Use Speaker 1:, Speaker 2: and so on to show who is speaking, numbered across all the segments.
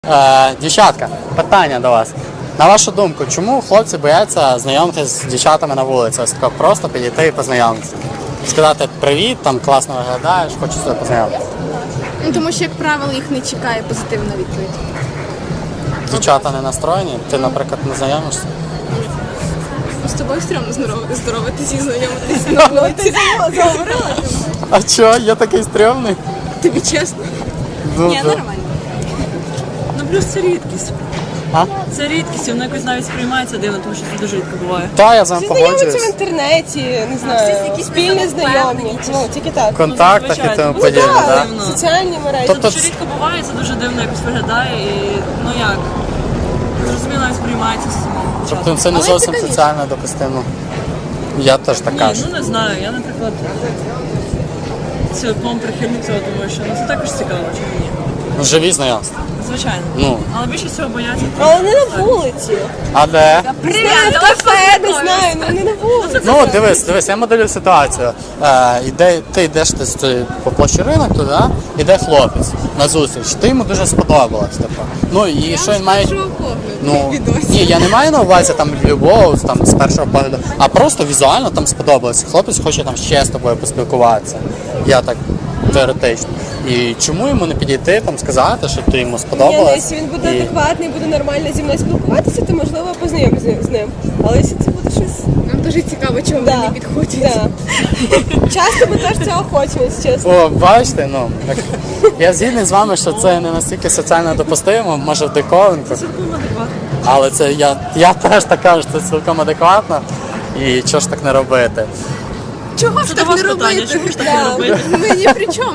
Speaker 1: Дівчатка, питання до вас. На вашу думку, чому хлопці бояться знайомитися з дівчатами на вулиці? Ось тако просто підійти і познайомитися. Сказати привіт, там класно виглядаєш, хочу з тобою познайомитися.
Speaker 2: Ну, тому що, як правило, їх не чекає позитивна відповідь.
Speaker 1: Дівчата не настроєні, ти, наприклад, не знайомишся?
Speaker 2: З тобою стрьомно здороватися і знайомитися на вулиці. Заговорила?
Speaker 1: А чого? Я такий стрьомний?
Speaker 2: Тобі чесно? Ні, нормально.
Speaker 3: Ну плюс це рідкість.
Speaker 1: А?
Speaker 3: Це рідкість, воно якось навіть сприймається дивно, тому що це дуже рідко буває.
Speaker 1: Та, я з вами
Speaker 4: Всі знайомляться в
Speaker 1: погоджуюсь.
Speaker 4: інтернеті, не знаю, спільні знайомі, ну тільки так.
Speaker 1: В контактах і тому
Speaker 3: Ну,
Speaker 1: подібне,
Speaker 4: Так,
Speaker 1: так?
Speaker 3: Дивно.
Speaker 4: соціальні мережі.
Speaker 1: Тобто
Speaker 3: Це дуже рідко буває, це дуже дивно якось виглядає і ну як, зрозуміло навіть сприймається з самого
Speaker 1: Тобто
Speaker 3: початку.
Speaker 1: це не
Speaker 2: Але
Speaker 1: зовсім
Speaker 2: цікавіше.
Speaker 1: соціально допустимо. Я теж так
Speaker 3: Ні,
Speaker 1: кажу.
Speaker 3: ну не знаю, я, наприклад, цілком прихильник цього, тому що ну, це також цікаво, чому ні.
Speaker 1: Ну, живі знайомства.
Speaker 3: Звичайно.
Speaker 1: Ну.
Speaker 3: Але більше всього бояться.
Speaker 4: Але не на вулиці.
Speaker 1: А де?
Speaker 4: Не знаю, в кафе, не знаю, ну не на вулиці.
Speaker 1: Ну, дивись, я моделю ситуацію. Ти йдеш по площі ринок туди, іде хлопець на зустріч. Ти йому дуже сподобалась. Типу. Ну і що він має. Ну, ні, я не маю на увазі там любов там, з першого погляду, а просто візуально там сподобалось. Хлопець хоче там ще з тобою поспілкуватися. Я так теоретично. І чому йому не підійти, там сказати, що ти йому
Speaker 4: Ні, ну,
Speaker 1: сподобалась?
Speaker 4: якщо він буде
Speaker 1: І-
Speaker 4: адекватний, буде нормально зі мною спілкуватися, то можливо познайомитися з ним. Але якщо це буде щось.
Speaker 2: Нам дуже цікаво, чому
Speaker 4: Да,
Speaker 2: вони не підходять.
Speaker 4: да. Часто ми теж цього хочемо, якщо чесно.
Speaker 1: О, бачите, ну так, я згідний з вами, що це не настільки соціально допустимо, може в диковинку.
Speaker 3: Цілком адекватно.
Speaker 1: Але це я теж так кажу, що це цілком адекватно. І чого ж так не робити?
Speaker 2: Чого ж
Speaker 3: Це до
Speaker 2: так
Speaker 3: вас
Speaker 2: не
Speaker 3: питання,
Speaker 2: робити?
Speaker 3: чому ж так не робити?
Speaker 2: Ми ні при чому.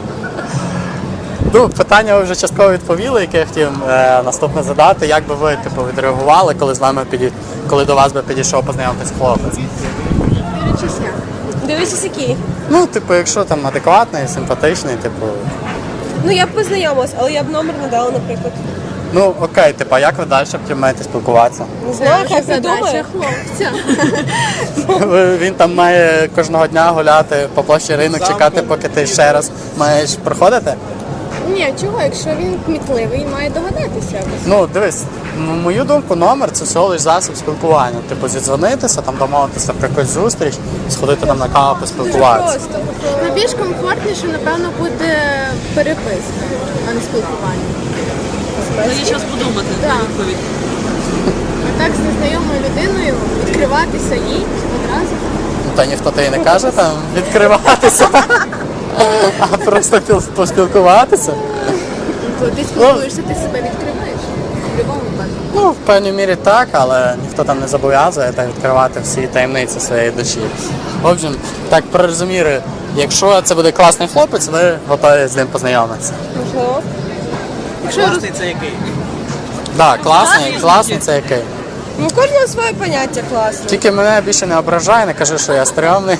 Speaker 1: Ну, питання ви вже частково відповіли, яке я хотів наступне задати. Як би ви типу, відреагували, коли з вами коли до вас би підійшов познайомитись хлопець?
Speaker 2: Дивлячись як.
Speaker 4: Дивись, який.
Speaker 1: Ну, типу, якщо там адекватний, симпатичний, типу.
Speaker 4: Ну я б познайомилась, але я б номер не дала, наприклад.
Speaker 1: Ну окей, типу, а як ви далі маєте спілкуватися?
Speaker 4: Не знаю,
Speaker 2: Це
Speaker 4: хай
Speaker 2: вже задача
Speaker 4: придумає.
Speaker 2: хлопця.
Speaker 1: Він там має кожного дня гуляти по площі ринок, чекати, поки ти ще раз маєш проходити?
Speaker 2: Ні, чого, якщо він кмітливий, має догадатися якось.
Speaker 1: Ну, дивись, на мою думку, номер це всього лиш засіб спілкування. Типу, зідзвонитися, там домовитися про якусь зустріч, сходити там на каву, поспілкуватися.
Speaker 4: Просто.
Speaker 2: Найбільш комфортніше, напевно, буде переписка, а не спілкування.
Speaker 3: Але є час подумати на
Speaker 2: Так.
Speaker 3: відповідь.
Speaker 2: А так з незнайомою людиною відкриватися їй одразу.
Speaker 1: Ну, та ніхто тобі не каже там відкриватися, а просто поспілкуватися.
Speaker 2: То ти спілкуєшся, ти себе відкриваєш. В будь-якому випадку.
Speaker 1: Ну, в певній мірі так, але ніхто там не зобов'язує так відкривати всі таємниці своєї душі. В общем, так про розуміри, якщо це буде класний хлопець, ви готові з ним познайомитися.
Speaker 4: Можливо.
Speaker 3: Класний це який?
Speaker 1: Так, класний це який.
Speaker 4: Ну, у кожного своє поняття класне.
Speaker 1: Тільки мене більше не ображай, не кажи, що я стрьомний.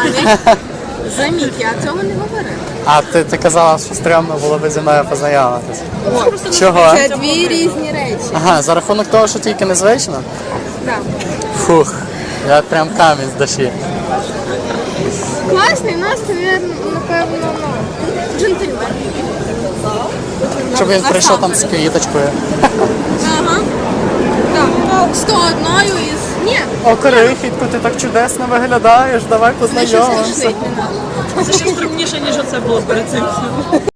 Speaker 2: Заміть, я цього не говорила.
Speaker 1: А ти казала, що стрьомно було би зі мною познайомитися. Чого?
Speaker 2: Це дві різні речі.
Speaker 1: Ага, за рахунок того, що тільки незвично?
Speaker 2: Так.
Speaker 1: Фух, я прям камінь з душі.
Speaker 2: Класний, у нас, напевно, джентльмен.
Speaker 1: Щоб він прийшов там з квіточкою.
Speaker 2: Ага. Так. 101 із... Ні.
Speaker 1: О, Корихітко, ти так чудесно виглядаєш, давай
Speaker 2: Це щось
Speaker 1: познайомимося.
Speaker 2: рішить не треба.
Speaker 3: Це ще стрімніше, ніж оце було перед цим.